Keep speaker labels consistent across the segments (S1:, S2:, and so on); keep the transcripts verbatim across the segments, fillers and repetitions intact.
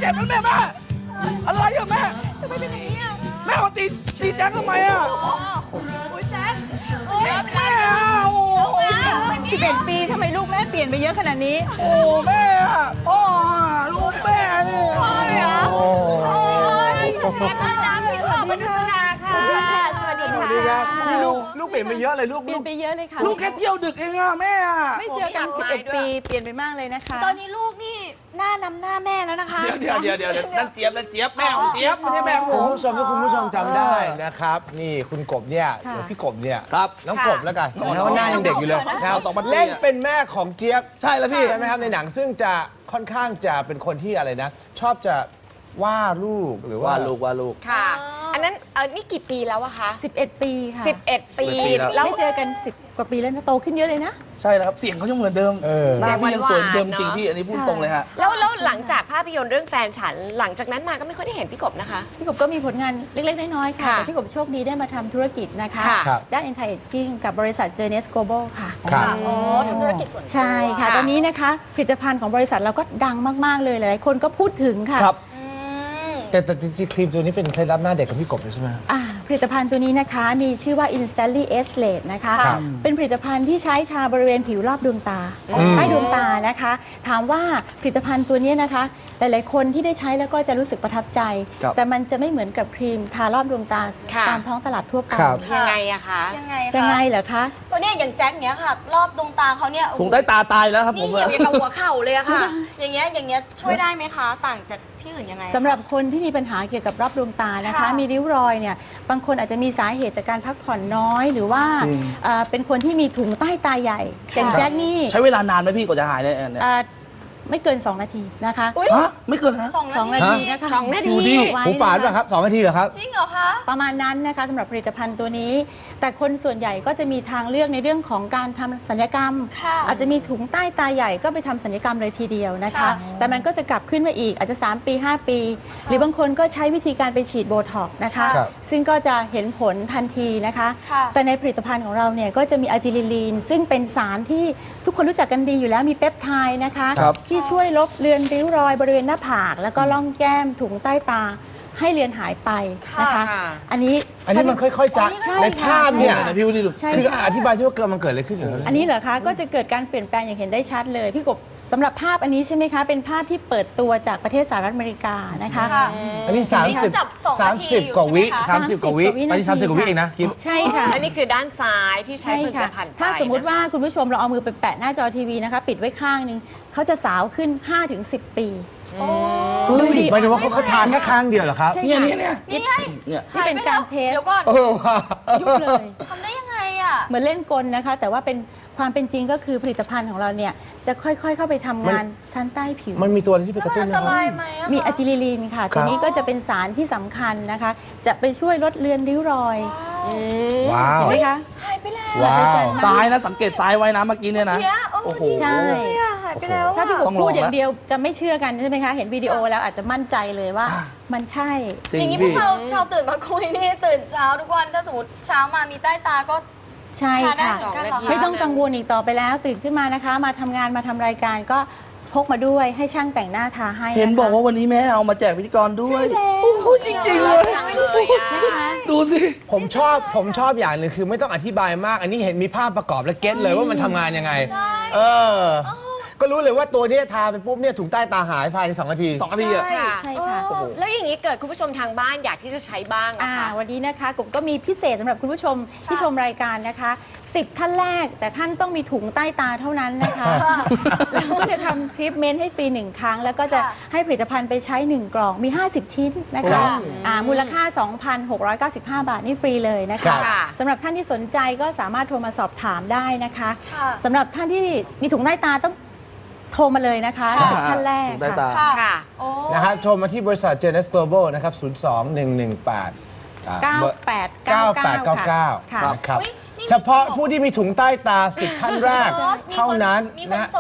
S1: จ็บนะแม่แม่อะไรอะแม่
S2: ทำไมเป็นอย่างนี้อ่ะ
S1: แม่มาตีตีแจ็คทำไมอะ
S2: โอ้ยแจ๊คโอ้ย
S1: แม่อะโอ้โห
S2: สิบเอ็ดปีทำไมลูกแม่เปลี่ยนไปเยอะขนาดนี้
S1: โอ้แม่อะพ่ออะลูกแม่นี่พ่อเหรอโอ้ย
S2: ขอบคุณค่ะขอบคุณค่ะสวัสดี
S3: สวั
S2: ค่ะ
S3: สดีครับนี่ลูกลูกเปลี่ยนไปเยอะเลยลูก
S2: เปลี่ยนไปเยอะเลยค่ะ
S1: ลูกแค่เที่ยวดึกเองอะแม่อะ
S2: ไม่เจอกันสิบเอ็ดปีเปลี่ยนไปมากเลยนะคะ
S4: ตอนนี้ลูกนี่หน้านำหน้าแม่แล้วนะคะ
S1: เดี๋ยวเดี๋ยวเดี๋ยวเดี๋ยวนั่นเจี๊ยบนั่นเจี๊ยบแม่ของเจี๊ยบไม่ใช่แม่ของผ
S3: คุณ
S1: ม
S3: ผู้ชมถ้าคุณผู้ชมจำได้นะครับ นี่คุณกบเนี่ยหรือพี่กบเนี่ย
S1: ครับ
S3: น้องกบแล้วกันนะว่าหน้ายังเด็กอยู่เลยนะครับ
S1: สองพันปีอะ
S3: เล่นเป็นแม่ของเจี๊ยบ
S1: ใช่แล้วพี่
S3: ใช่ไหมครับในหนังซึ่งจะค่อนข้างจะเป็นคนที่อะไรนะ ชอบจะว่าลูกหรือว่า
S1: ว่าลูกว่าลูก
S5: ค่ะ อันนั้นเออนี่กี่ปีแล้วอะคะ
S2: สิบเอ็ดปีค่ะ
S5: สิบเอ็ดปี
S1: สิบเอ็ดปีแล้ว
S5: แล้ว
S2: ไม่เจอกันสิบกว่าปีแล้วนะโตขึ้นเยอะเลยนะ
S1: ใช่แล้วครับเสียงเขายังเหมือนเดิม
S3: เออ
S1: หน้าพี่ยังสวยเหมือนเดิม
S5: หวานๆ
S1: จริงพี่อันนี้พูดตรงเลยฮะ
S5: แล้วแล้วหลังจากภาพยนตร์เรื่องแฟนฉัน หลังจากนั้นมาก็ไม่ค่อยได้เห็นพี่กบนะคะ
S2: พี่กบก็มีผลงานเล็ก ๆ น้อย ๆ ค่ะ
S5: ค่ะ
S2: แต่พี่กบโชคดีได้มาทำธุรกิจนะคะ
S5: ค่ะ
S3: ครับ
S2: ด้าน anti aging กับบริษัท Journeys Global ค่ะ
S3: ครับ
S4: อ๋อทำธุรกิจส่วนตัว
S2: ใช่ค่ะ
S5: ค่ะ
S2: ตอนนี้นะคะผลิตภัณฑ์ของบริษัทเราก็ดังมาก ๆ เลย หลาย ๆ คนก็พูดถึงค่ะ
S1: ครับ
S4: อืม
S3: แต่แต่จริงๆครีมตัวนี้เป็นเคล็ดลับหน้าเด็กกับพี่กบเลยใช่ไหม
S2: อ่าผลิตภัณฑ์ตัวนี้นะคะมีชื่อว่า Instantly Age Late นะคะ
S3: ครับ
S2: เป็นผลิตภัณฑ์ที่ใช้ทาบริเวณผิวรอบดวงตา
S3: อืม
S2: ใต้ดวงตานะคะ ถามว่าผลิตภัณฑ์ตัวนี้นะคะ หลาย ๆ คนที่ได้ใช้แล้วก็จะรู้สึกประทับใจ
S1: ครับ
S2: แต่มันจะไม่เหมือนกับครีมทารอบดวงตา
S5: ค่ะ
S2: ตามท้องตลาดทั่วไป
S3: ครับ
S5: ยังไงอะคะ
S4: ยังไง
S2: ยัง
S4: คะ
S2: ไงเหรอคะ
S4: ตัวเนี้ยอย่างแจ็คเนี้ยค่ะ รอบดวงตาเขาเนี่ยโอ้โห
S1: ถุงใต้ตาตายแล้วครับผ
S4: นี่
S1: ม
S4: เหยียบ
S1: อะ
S4: อย่างกับหัวเข่าเลยอะค่ะ อย่างเงี้ยอย่างเงี้ยช่วยได้ไหมคะ ต่างจากที่อื่นยังไง
S2: สำหรับคนที่มีปัญหาเกี่ยวกับรอบดวงตานะคะ
S4: ค่ะ
S2: มีริ้วรอยเนี่ยบางคนอาจจะมีสาเหตุจากการพักผ่อนน้อย หรือว่าเอ่อเป็นคนที่มีถุงใต้ตาใหญ่อย่างแจ็คนี่
S1: ใช้เวลานานไหมพี่กว่าจะหายเนี่ยเนี่ย
S2: เอ่อไม่เกิน สอง นาทีนะคะ
S4: อุ๊ย
S1: ฮะไม่เกินฮะ
S4: สองนา
S2: สอง
S4: ที
S2: นาทีนะคะ
S5: สองนาที
S1: ดูดิ
S2: ไว้
S3: หูฝาด
S2: นะคะ
S3: ป่ะครับสองนาทีเหรอครับ
S4: จริงเหรอคะ
S2: ประมาณนั้นนะคะสำหรับผลิตภัณฑ์ตัวนี้ แต่คนส่วนใหญ่ก็จะมีทางเลือกในเรื่องของการทำศัลยกรรม
S4: ค่ะ
S2: อาจจะมีถุงใต้ตาใหญ่ก็ไปทำศัลยกรรมเลยทีเดียวนะคะ
S4: ค่ะ
S2: แต่มันก็จะกลับขึ้นมาอีกอาจจะ สาม ปี ห้า ปี หรือบางคนก็ใช้วิธีการไปฉีดโบท็อกซ์นะคะ
S3: ครับ
S2: ซึ่งก็จะเห็นผลทันทีนะคะ
S4: ค่ะ
S2: แต่ในผลิตภัณฑ์ของเราเนี่ยก็จะมีอะจิลิลีนซึ่งเป็นสารที่ทุกคนรู้จักกันดีอยู่แล้วมีเปปไทด์นะคะ
S1: ครับ
S2: ที่ช่วยลบเลือนริ้วรอยบริเวณหน้าผาก แล้วก็ล่องแก้มถุงใต้ตาให้เลือนหายไปนะคะ
S5: ค่ะ
S2: อันนี้
S3: อันนี้มันค่อยๆจะ
S2: ใช่
S3: ในภาพเนี่ย
S2: ค่ะ
S1: ไหนพี่วุฒิดู
S2: ใช่
S3: คือ
S2: ค่ะ
S3: อธิบายใช่ว่าเกิดมันเกิดอะไรขึ้นอยู่แล้ว
S2: อันนี้เหรอคะก็จะเกิดการเปลี่ยนแปลงอย่างเห็นได้ชัดเลย พี่กบสำหรับภาพอันนี้ใช่ไหมคะ เป็นภาพที่เปิดตัวจากประเทศสหรัฐอเมริกานะคะ
S4: ค่ะ
S3: อันนี้ 30
S4: จับสองนาทีอยู่
S3: 30 กว่าวิ
S4: ใช่ไหมคะ
S3: สามสิบกว่าวิตอนนี้สามสิบกว่าวิเองนะกิฟ
S2: ใช่ค่ะ
S5: อันนี้คือด้านซ้ายที่ใช้
S2: ใช่
S5: ผลิต
S2: ค่ะ
S5: ภัณฑ์ไป
S2: ถ้าสมมุติ
S5: นะคะ
S2: ว่าคุณผู้ชมเราเอามือไปแปะหน้าจอทีวีนะคะ ปิดไว้ข้างหนึงเขาจะสาวขึ้น ห้าถึงสิบ ปี
S3: เฮ้ยหมายถึงว่าเขาเขาทานแค่ข้างเดียวเหรอครับ
S2: ใช่
S1: เนี่ย
S2: ค่ะ
S1: เนี่ยเนี่ย
S4: นี่ไง
S1: เนี่ย
S2: นี่เป็นการเทส
S4: เดี๋ยวก่อน
S3: เออว่ะ
S2: ยุบเลย
S4: ทำได้ยังไงอ่ะ
S2: เหมือนเล่นกลนะคะ แต่ว่าเป็นความเป็นจริงก็คือผลิตภัณฑ์ของเราเนี่ยจะค่อยๆ เข้าไปทำงานชั้นใต้ผิว
S3: มันมีตัวอะไรที่ไปกระตุ้น
S4: อั
S3: ไห
S4: น
S3: ม
S4: ต
S3: ค
S4: รา
S3: รับ
S4: ยไหมอะคะ
S2: มีอะจิลิลีนค่ะ ตัวนี้ก็จะเป็นสารที่สำคัญนะคะ จะไปช่วยลดเลือนริ้วรอย
S3: ว้าว
S2: เห็นไหมคะ
S4: หายไปแล้ว
S3: ว้าว
S1: ซ้ายนะสังเกตซ้ายไว้นะเมื่อกี้เนี่ยนะ
S4: เนี่ยโอ้
S1: โอ้โห
S2: ใช่
S4: เนี่ยหายไปแล้ว
S2: ถ้าพี่ก
S4: อะ
S2: บ
S1: ต้องลอง
S2: พูดอย่าง
S1: ละ
S2: เดียวจะไม่เชื่อกันใช่ไหมคะ เห็นวิดีโอแล้วอาจจะมั่นใจเลยว่ามันใช่
S1: จริ
S4: อย่าง งนี้พว
S1: พี่
S4: กเราชาวตื่นมาคุยนี่ตื่นเช้าทุกวันถ้าสมมติเช้ามามีใต้ตาก็
S2: ใช่
S4: ทานได้
S2: ค่ะ
S4: เหมือนกันเหรอคะ
S2: ไม่ต้องกังวลอีกต่อไปแล้ว ตื่นขึ้นมานะคะ มาทำงานมาทำรายการก็พกมาด้วยให้ช่างแต่งหน้าทาให้ะคะ
S1: เห็นบอกว่าวันนี้แม่เอามาแจกพิธีกรด้วย โอ้โหจริงๆเลย
S2: นะคะ
S1: ดูสิ
S3: ผมชอบผมชอบอย่างหนึ่งคือไม่ต้องอธิบายมาก อันนี้เห็นมีภาพประกอบและเก็ตเลยว่ามันทำงานยังไง เออ ก็รู้เลยว่าตัวเนี้ยทาไปปุ๊บเนี่ยถุงใต้ตาหายภายในสองนาที
S1: สองนาทีอะ
S5: ค่ะ
S2: ใช่ค่ะ
S5: โอ้โหแล้วอย่างนี้เกิดคุณผู้ชมทางบ้านอยากที่จะใช้บ้างนะ
S2: อ่า
S5: คะ
S2: วันนี้นะคะกบก็มีพิเศษสำหรับคุณผู้ชมที่ชมรายการนะคะสิบท่านแรก แต่ท่านต้องมีถุงใต้ตาเท่านั้นนะคะแล้วก็จะทำทรีทเมนต์ให้ฟรีหนึ่งครั้ง แล้วก็จะให้ผลิตภัณฑ์ไปใช้หนึ่งกล่องมี ห้าสิบ ชิ้นนะคะอ่ามูลค่า สองพันหกร้อยเก้าสิบห้า บาทนี่ฟรีเลยนะ
S3: ครั
S2: คะ
S3: บ
S2: สำหรับท่านที่สนใจก็สามารถโทรมาสอบถามได้นะคะ
S4: ค่ะ
S2: สำหรับท่านที่มีถุงใต้ตาต้องโทรมาเลยนะคะสิบท่านแรก
S1: ถุงใต้ตา
S2: ค่ะ
S5: ค่ะ
S4: โอ้
S3: นะฮะโทรมาที่บริษัท Journeys Global นะครับ ศูนย์ สอง หนึ่ง หนึ่ง แปด
S2: เก้าแปดเก้า
S3: เก้าแปดเก้าเก้า
S2: ค่ะ
S3: นะครับ
S4: อุ๊ยนี่มี
S3: เฉพาะผู้ที่มีถุงใต้ตาสิบท่านแรก
S4: มีคน
S3: เท่านั้น
S4: มีค
S3: นะ
S4: น
S3: ฮะ
S4: ส่งเม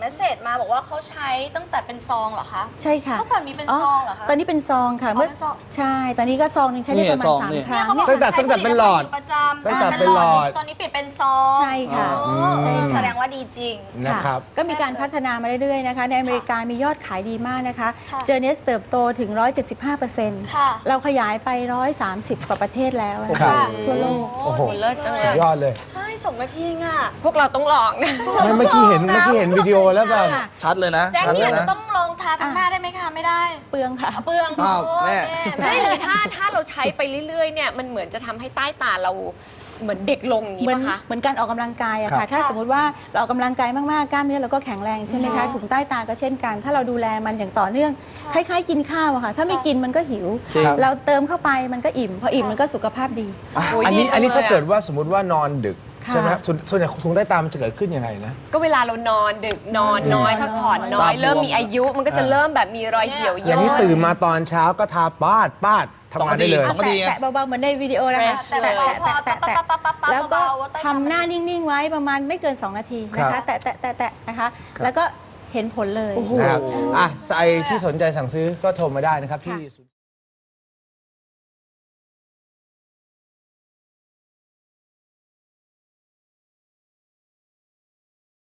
S4: มสเสจมาบอกว่าเขาใช้ตั้งแต่เป็นซองเหรอคะ
S2: ใช่ค่ะ
S4: เมื่อก่อนมีเป็นซองเหรอคะ
S2: ตอนนี้เป็นซองค่ะ
S4: อ๋อ
S2: เมื่อ
S4: เป็นซอง
S2: ใช่ ตอนนี้ก็ซองหนึงใช้ได้ประมาณ
S1: นี่ซอง
S2: สาม
S1: นี่
S2: ครั้ง
S4: เขาบอก
S3: ตั้งแต่
S4: ใช้
S3: ตั้งแต่เป็นหลอด
S4: ผตภัณฑ์ประจำ
S3: ตั้งแต่เป็นหลอด
S4: ตอนนี้เปลี่ยนเป็นซอง
S2: ใช่ค่ะ
S4: อ๋อ
S2: ใช่ค่ะ
S4: แสดงว่าดีจริง
S3: นะครับ
S2: ก็มีการพัฒนามาเรื่อยๆนะคะ ในอเมริกามียอดขายดีมากนะคะ
S4: ค่ะ
S2: เจอเนสเติบโตถึง หนึ่งร้อยเจ็ดสิบห้าเปอร์เซ็นต์
S4: ค่ะ
S2: เราขยายไป หนึ่งร้อยสามสิบ กว่าประเทศแล้วนะ
S3: ครั
S2: คะ
S3: บ
S2: ทั่วโลก
S3: โอ้โห
S5: เลิศจังเลย
S3: สุดยอดเลย
S4: ใช่สองนาทีเองอ่ะ
S5: พวกเราต้องลองนะ
S3: ไม่เมื่อกี้เห็นเมื่อกี้เห็นวิดีโอแล้วแบบ
S2: ค่ะ
S1: ชัดเลยนะ
S4: แจ็ค
S1: ชัด
S4: เนี่
S1: เลย ย
S4: จะ
S1: นะ
S4: ต้องลองทาทั้งหน้าได้ไหมคะ ไม่ได้
S2: เปลืองค่ะ
S4: เปลือง
S1: อ้าว
S4: โอ้
S1: แม่
S4: แม่
S5: ไม่อย่างนี้ถ้าถ้าเราใช้ไปเรื่อยๆเนี่ยมันเหมือนจะทำให้ใต้ตาเราเหมือนเด็กลงอย่างนี้
S2: เหมือน
S5: ป่ะคะ
S2: เหมือนการออกกำลังกายอะ
S3: ครั
S2: ค่ะ
S3: บ
S2: ถ้าสมมติว่าเราออกกำลังกายมากๆกล้ามเนื้อเราก็แข็งแรงใช่ไหมคะถุงใต้ตาก็เช่นกัน ถ้าเราดูแลมันอย่างต่อเนื่องคล้ายๆกินข้าวอะค่ะ ถ้าไม่กินมันก็หิว
S1: จริง
S2: เราเติมเข้าไปมันก็อิ่ม พออิ่มมันก็สุขภาพดี
S5: โอ้ย
S3: อันนี้
S5: ดีจัง
S3: อันนี้ถ้า
S5: เลยอะ
S3: เกิดว่าสมมติว่านอนดึก
S2: ค่ะ
S3: ใช่ไหมครับส่วนส่วนใหญ่ถุงใต้ตามันจะเกิดขึ้นยังไงนะ
S5: ก็เวลาเรานอนดึกนอนน้อย
S2: นอน
S5: พักผ่อนน้อย
S1: ตาบวม
S5: เริ่มมีอายุมันก็จะเริ่มแบบมีรอยเหี่ยว
S3: อย่างนี้
S5: ย่น
S3: ตื่นมาตอนเช้าก็ทาปาดปาดทำงานได้เลย
S1: สองนาที
S2: แตะแตะเบาๆเหมือนในวิดีโอนะคะ
S5: Fresh
S4: แต่
S2: แตะ
S4: พอ
S2: แตะ
S4: พอ
S2: แตะ
S4: ปั๊บ
S2: แตะ
S4: ปั๊บปั๊บปั๊บ
S2: แล้วก็
S4: เบาๆว่าใต้ตา
S2: ทำหน้านิ่งๆไว้ประมาณไม่เกิน สอง นาทีนะ
S3: ครั
S2: คะ
S3: บ
S2: แตะแตะแตะแตะนะคะ แล้วก็เห็นผลเลย
S3: นะครับอ่ะใครที่สนใจสั่งซื้อก็โทรมาได้นะครับที่